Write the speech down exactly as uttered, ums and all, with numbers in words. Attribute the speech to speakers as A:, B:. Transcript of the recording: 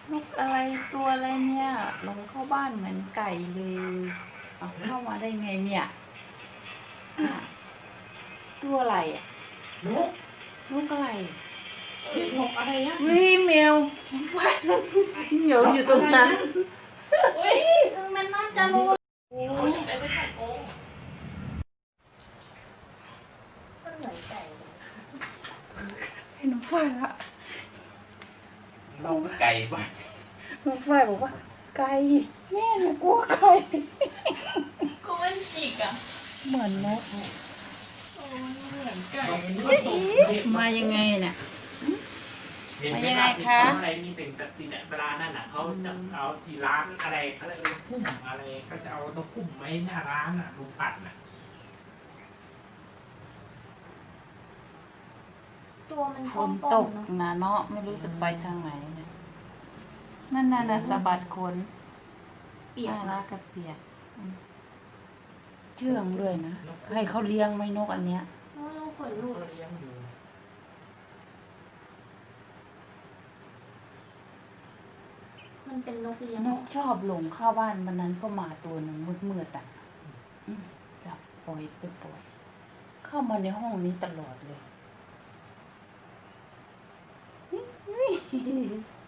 A: นกอะไรตัวอะไรเนี่ยลงเข้าบ้านเหมือนไก่เลยเอาเข้ามาได้ไงเนี่ยอ่ะตัวอะไรอ่ะ
B: นก
A: นกอะไร
B: เรียกนกอะไรอ่ะ
A: วิแมวฟ้าเหมียวอยู่ตรงนั้น
B: อุ้ย
C: มันน่าจะรู้
B: เขาจะไปไม่ได้โกง
C: มันเหมือนไก่เลย
A: ให้น้องฝ้ายละ
B: เราก็ไก่ป่ะ
A: น้องฝ้ายบอกว่า ไก่แม่หนูกลัวไก่
C: ก็มันจิกอ่ะ
A: เหมือนนก
C: โอ้ยเหมือนไก่
A: มายังไงเนี่ย
B: เห็นไหม
A: ยังไง
B: ล่ะ
A: คะ
B: อะไรมีสิ่งศักดิ์สิทธิ์อะเวลานั่นน่ะเขาจะเอาที่ร้านอะไรอะไรเออพุ่มอะไรก็จะเอานกพุ่มไว้หน้าร้านอ่ะลุงปัดน่ะ
C: ตัวมัน
A: ฝ
C: ก้
A: น
C: ม
A: ต
C: ๆ
A: ก
C: เนาะ
A: นะเนาะไม่รู้จะไปทางไหนเนี่ยนั่นน่ะนะสะบัดขน
C: เปียก
A: น่ารักกับเปียกอืมเชื่องเลยนะใครเขาเลี้ยงไหมนกอันเนี้ย
C: โอ้ยลูกขนลุก
B: ก็เลี้ยงอยู่
C: มันเป็นนกเลี้ยง
A: นกชอบหลงเข้าบ้านวันนั้นก็มาตัวหนึ่งมืดๆอ่ะอืมจับปล่อยไปปล่อย เข้ามาในห้องนี้ตลอดเลย